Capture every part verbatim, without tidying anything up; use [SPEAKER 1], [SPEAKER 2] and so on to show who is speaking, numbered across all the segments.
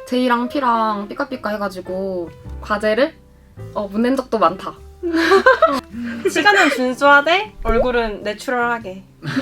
[SPEAKER 1] J랑 P랑 삐까삐까 해가지고 과제를 어, 못 낸 적도 많다.
[SPEAKER 2] 시간은 준수하되 얼굴은 내추럴하게.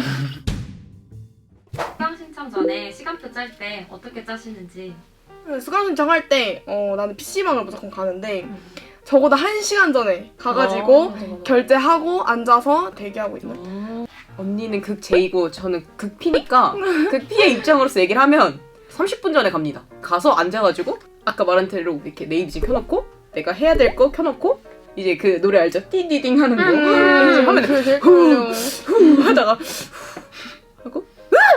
[SPEAKER 3] 수강 신청 전에 시간표 짤 때 어떻게 짜시는지.
[SPEAKER 4] 수강 신청할 때 어, 나는 피시방을 무조건 가는데 적어도 한 시간 전에 가가지고
[SPEAKER 1] 어,
[SPEAKER 4] 결제하고 앉아서 대기하고 있는.
[SPEAKER 5] 어, 언니는 극 J고 저는 극 P니까 극 P의 입장으로서 얘기를 하면 삼십 분 전에 갑니다. 가서 앉아가지고 아까 말한 대로 이렇게 네이비지 켜놓고 내가 해야 될 거 켜놓고 이제 그 노래 알죠? 띠디딩 하는 거
[SPEAKER 4] 음,
[SPEAKER 5] 하면
[SPEAKER 4] 그게 제일 끌려.
[SPEAKER 5] 후 하다가 하고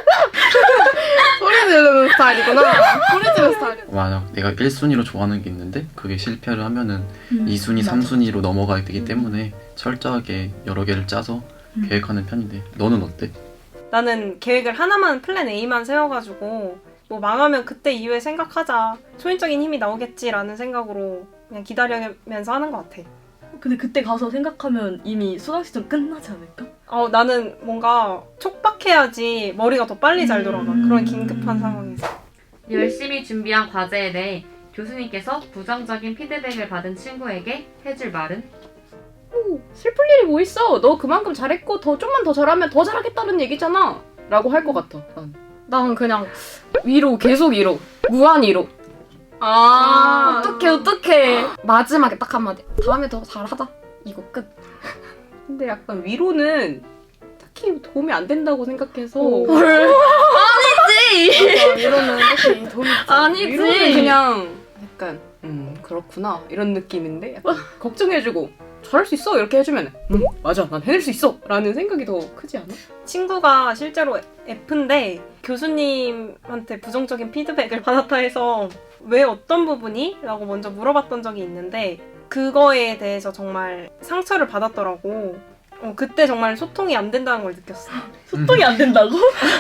[SPEAKER 4] 소리 지르는 스타일이구나. 소리 지르는 스타일.
[SPEAKER 6] 만약 내가 일 순위로 좋아하는 게 있는데 그게 실패를 하면은
[SPEAKER 7] 음,
[SPEAKER 6] 이 순위,
[SPEAKER 7] 맞아.
[SPEAKER 6] 삼 순위로 넘어가야 되기 때문에 철저하게 여러 개를 짜서
[SPEAKER 7] 음.
[SPEAKER 6] 계획하는 편인데 너는 어때?
[SPEAKER 2] 나는 계획을 하나만 플랜 A만 세워가지고 뭐 망하면 그때 이후에 생각하자. 초인적인 힘이 나오겠지라는 생각으로 그냥 기다리면서 하는 것 같아.
[SPEAKER 7] 근데 그때 가서 생각하면 이미 수강 시즌 끝나지 않을까?
[SPEAKER 2] 어, 나는 뭔가 촉박해야지 머리가 더 빨리 잘 돌아가.
[SPEAKER 7] 음.
[SPEAKER 2] 그런 긴급한 상황에서.
[SPEAKER 3] 열심히 준비한 과제에 대해 교수님께서 부정적인 피드백을 받은 친구에게 해줄 말은?
[SPEAKER 5] 슬플 일이 뭐 있어? 너 그만큼 잘했고 더 좀만 더 잘하면 더 잘하겠다는 얘기잖아 라고 할 것 같아. 난.
[SPEAKER 1] 난 그냥 위로, 계속 위로. 무한 위로.
[SPEAKER 5] 아
[SPEAKER 1] 어떡해, 어떡해. 마지막에 딱 한마디. 다음에 더 잘하자. 이거 끝.
[SPEAKER 5] 근데 약간 위로는 딱히 도움이 안 된다고 생각해서
[SPEAKER 1] 헐. 아니지!
[SPEAKER 4] 맞아, 이러면 딱히 돈이
[SPEAKER 1] 아니지!
[SPEAKER 5] 위로는 그냥 약간 음 그렇구나 이런 느낌인데 약간 걱정해주고 잘할 수 있어 이렇게 해주면 음 맞아 난 해낼 수 있어 라는 생각이 더 크지 않아?
[SPEAKER 2] 친구가 실제로 F인데 교수님한테 부정적인 피드백을 받았다 해서 왜 어떤 부분이? 라고 먼저 물어봤던 적이 있는데 그거에 대해서 정말 상처를 받았더라고. 어, 그때 정말 소통이 안 된다는 걸 느꼈어.
[SPEAKER 7] 소통이 안 된다고?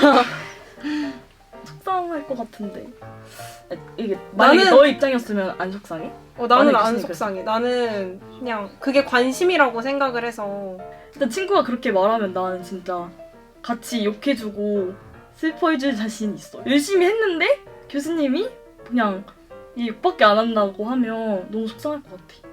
[SPEAKER 7] 속상할 것 같은데. 아, 이게 만약에
[SPEAKER 2] 나는-
[SPEAKER 7] 너 입장이었으면 안 속상해?
[SPEAKER 2] 어, 나는
[SPEAKER 7] 아니,
[SPEAKER 2] 안
[SPEAKER 7] 교수님
[SPEAKER 2] 속상해. 나는 그냥 그게 관심이라고 생각을 해서
[SPEAKER 7] 근데 친구가 그렇게 말하면 나는 진짜 같이 욕해주고 슬퍼해줄 자신 있어. 열심히 했는데 교수님이 그냥 이 욕밖에 안 한다고 하면 너무 속상할 것 같아.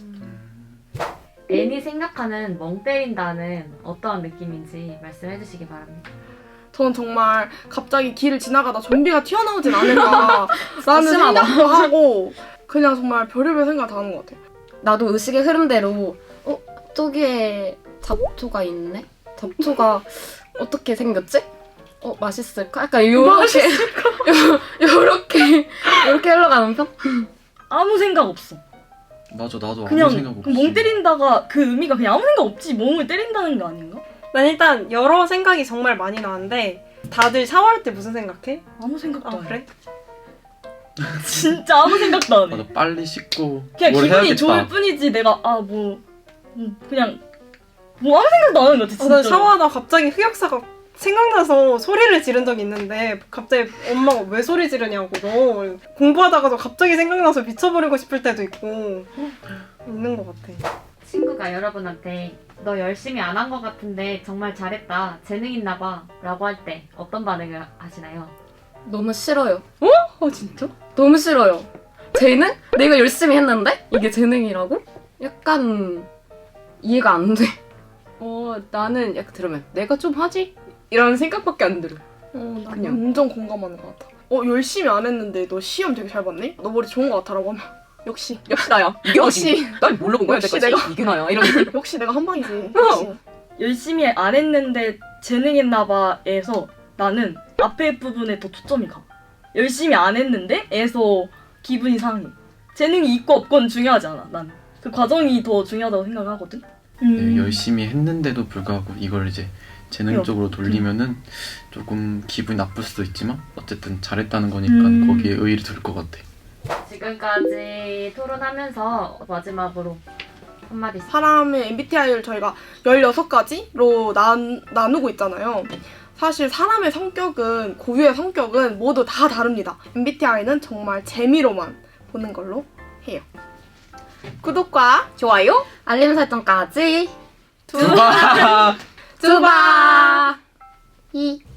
[SPEAKER 3] 애니 생각하는 멍 때린다는 어떠한 느낌인지 말씀해 주시기 바랍니다.
[SPEAKER 4] 전 정말 갑자기 길을 지나가다 좀비가 튀어나오진 않을까 라는
[SPEAKER 1] 심하다.
[SPEAKER 4] 생각도 하고 그냥 정말 별의별 생각 다 하는 것 같아요.
[SPEAKER 1] 나도 의식의 흐름대로 어? 저기에 잡초가 있네? 잡초가 어떻게 생겼지? 어? 맛있을까? 약간 요렇게 요렇게 요렇게 흘러가는 편?
[SPEAKER 7] 아무 생각 없어.
[SPEAKER 6] 맞아 나도
[SPEAKER 7] 그냥
[SPEAKER 6] 아무 생각 없이
[SPEAKER 7] 그멍 때린다가 그 의미가 그냥 아무 생각 없지 멍을 때린다는 거 아닌가?
[SPEAKER 2] 난 일단 여러 생각이 정말 많이 나는데 다들 샤워할 때 무슨 생각해?
[SPEAKER 7] 아무 생각도
[SPEAKER 2] 아
[SPEAKER 7] 안 해.
[SPEAKER 2] 그래?
[SPEAKER 7] 진짜 아무 생각도 안 해.
[SPEAKER 6] 맞아 빨리 씻고
[SPEAKER 7] 그냥
[SPEAKER 6] 뭘
[SPEAKER 7] 기분이
[SPEAKER 6] 해야겠다.
[SPEAKER 7] 좋을 뿐이지 내가 아 뭐 그냥 뭐 아무 생각도 안 하는 거지
[SPEAKER 2] 아,
[SPEAKER 7] 진짜.
[SPEAKER 2] 난 샤워하다 갑자기 흑역사가 생각나서 소리를 지른 적이 있는데 갑자기 엄마가 왜 소리 지르냐고 너 공부하다가도 갑자기 생각나서 미쳐버리고 싶을 때도 있고 있는 것 같아.
[SPEAKER 3] 친구가 여러분한테 너 열심히 안 한 것 같은데 정말 잘했다, 재능 있나 봐 라고 할 때 어떤 반응을 하시나요?
[SPEAKER 1] 너무 싫어요.
[SPEAKER 5] 어 진짜?
[SPEAKER 1] 너무 싫어요. 재능? 내가 열심히 했는데? 이게 재능이라고? 약간 이해가 안 돼.
[SPEAKER 5] 어 나는 약간 들으면 내가 좀 하지? 이런 생각밖에 안 들어.
[SPEAKER 4] 어, 나
[SPEAKER 5] 그냥.
[SPEAKER 4] 완전 공감하는 것 같아. 어 열심히 안 했는데 너 시험 되게 잘 봤네? 너 머리 좋은 것 같아라고 하면 역시
[SPEAKER 5] 역시 나야. 이게
[SPEAKER 4] 역시.
[SPEAKER 5] 어디? 날 뭘로 본 거야
[SPEAKER 4] 역시
[SPEAKER 5] 내가?
[SPEAKER 4] 내가.
[SPEAKER 5] 이게 나야. 이런 느낌.
[SPEAKER 4] 역시 내가 한 방이지. 역시.
[SPEAKER 7] 열심히 안 했는데 재능했나 봐에서 나는 앞에 부분에 더 초점이 가. 열심히 안 했는데 에서 기분이 상해. 재능이 있고 없건 중요하지 않아. 난 그 과정이 더 중요하다고 생각하거든.
[SPEAKER 6] 네, 열심히 했는데도 불구하고 이걸 이제 재능적으로 돌리면은 조금 기분이 나쁠 수도 있지만 어쨌든 잘했다는 거니까
[SPEAKER 7] 음.
[SPEAKER 6] 거기에 의의를 둘 것 같아.
[SPEAKER 3] 지금까지 토론하면서 마지막으로 한마디씩.
[SPEAKER 4] 사람의 엠비티아이를 저희가 열여섯 가지로 나, 나누고 있잖아요. 사실 사람의 성격은, 고유의 성격은 모두 다 다릅니다. 엠비티아이는 정말 재미로만 보는 걸로 해요. 구독과
[SPEAKER 5] 좋아요?
[SPEAKER 1] 알림 설정까지
[SPEAKER 4] 두바
[SPEAKER 1] 두바 이